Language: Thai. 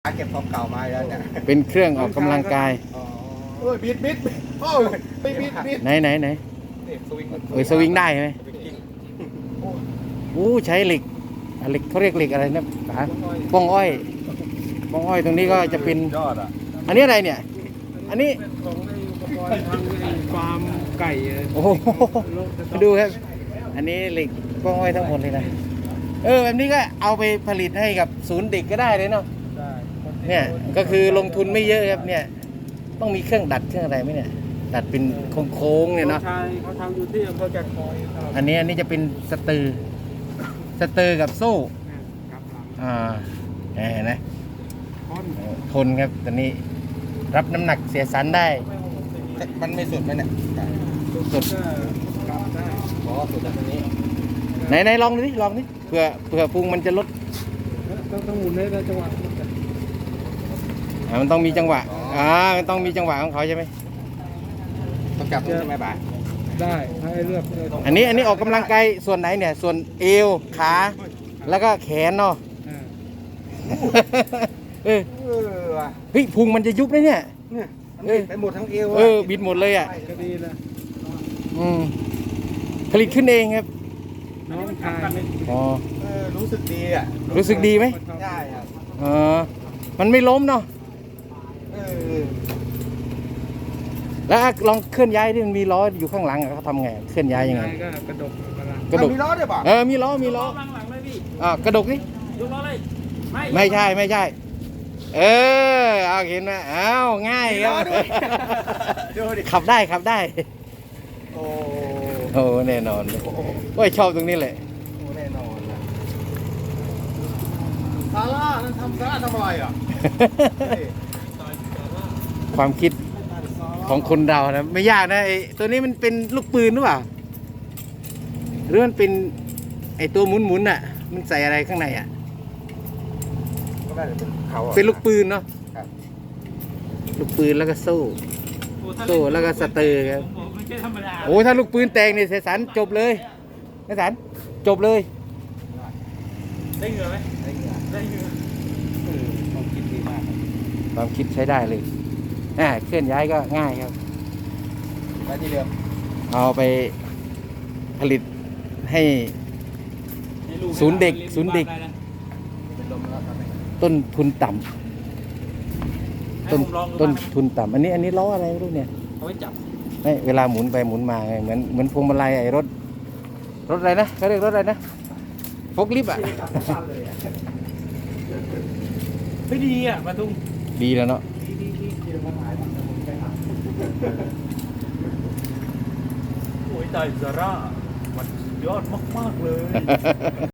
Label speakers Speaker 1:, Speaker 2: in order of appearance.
Speaker 1: เก็บของเก่ามาแล้วเนี่ย
Speaker 2: เป็นเครื่องออกกำลังกาย
Speaker 1: โอ้ยบิดโอ้ยไปบิด
Speaker 2: ไหน
Speaker 1: นี่สวิง
Speaker 2: สวิงได้ไหมโอ้ใช้เหล็กเขาเรียกเหล็กอะไรนะป๋าบ้องอ้อยตรงนี้ก็จะเป็น
Speaker 1: ยอดอ่ะ
Speaker 2: อันนี้อะไรเนี่ยอันนี้
Speaker 3: ของไอ้อุปกรณ์ทางไอ้ฟาร์มไก่
Speaker 2: โอ้โหดูครับอันนี้เหล็กบ้องอ้อยทั้งหมดเลยนะแบบนี้ก็เอาไปผลิตให้กับศูนย์เด็กก็ได้เลยเนาะเนี่ยก็คือลงทุนไม่เยอะครับเนี่ยต้องมีเครื่องดัดเครื่องอะไรไหมเนี่ยดัดเป็นโค้งๆเนี่ยเนาะ
Speaker 3: เขาทำอยู่ที่อำเภอแก่งคอย
Speaker 2: อันนี้จะเป็นสเตอร์กับโซ่เห็นไหมทนครับตอนนี้รับน้ำหนักเสียสันได้
Speaker 1: มันไม่สุดไหมเนี่ย
Speaker 2: สุด
Speaker 3: ได้
Speaker 1: สุดจากนี้
Speaker 2: ไหนลองดิเผื่อพุงมันจะลด
Speaker 3: ต้องหมุนได้จังหวะ
Speaker 2: มันต้องมีจังหวะมันต้องมีจังหวะของเขาใช่ไหม
Speaker 1: ต้องจับใช่ไหมบ่า
Speaker 3: ได้ให้เลือก
Speaker 2: อันนี้ออกกำลังกายส่วนไหนเนี่ยส่วนเอวขาแล้วก็แขนเนาะเฮ้ยพุงมันจะยุบเลยเนี่ย
Speaker 1: ไปหมดทั้งเอว
Speaker 2: บิดหมดเลยอ่ะ
Speaker 3: ก็ดีนะ
Speaker 2: ผลิตขึ้นเองครับ
Speaker 3: น้องชาย
Speaker 1: รู้สึกดีอ่ะ
Speaker 2: รู้สึกดีไหม
Speaker 1: ใช่ครับ
Speaker 2: มันไม่ล้มเนาะแล้วลองเคลื่อนย้ายที่มันมีล้ออยู่ข้างหลังเขาทำไงเคลื่อนย้ายยังไง
Speaker 3: ก็กระดก
Speaker 1: มีล้อด้วยป่ะ
Speaker 2: มีล้อ
Speaker 3: หลังเลยพี่
Speaker 2: กระดกนี่
Speaker 3: ยกล้อเลย
Speaker 2: ไม่ใช่เอาเห็นไหมง่ายครับขับได้โอ้แน่นอนเลยชอบตรงนี้เลย
Speaker 1: แน่นอนซาร่านั่นทำอะไรอ่ะ
Speaker 2: ความคิดของคนเรานะไม่ยากนะไอ้ตัวนี้มันเป็นลูกปืนหรือเปล่าหรือมันเป็นไอ้ตัวหมุนอ่ะมันใส่อะไรข้างในอ่ะเป็นลูกปืนเนาะลูกปืนแล้วก็โซ่แล้วก็สเตอร์ครับโอ้ถ้าลูกปืนแตกนี่เสสันจบเลยเสสันจบเลย
Speaker 3: ได้เหงื่อไหมได้เหงื่อ
Speaker 1: ความคิดดีมาก
Speaker 2: ความคิดใช้ได้เลยเคลื่อนย้ายก็ง่ายครับ
Speaker 1: ไปที่เดิม
Speaker 2: เอาไปผลิตให้ศูนย์เด็กต้นทุนต่ำต้นทุนต่ำอันนี้ล้ออะไรไม่รู้เนี่ย
Speaker 3: เอาไว้จับ
Speaker 2: ไม่เวลาหมุนไปหมุนมาเหมือนพวงมาลัยไอ้รถอะไรนะเขาเรียกรถอะไรนะฟกลิฟต์
Speaker 3: ไม่ดีมาตุ้ง
Speaker 2: ดีแล้วเนาะ
Speaker 3: โอ้ยตายซาร่ามันยอดมากๆเลย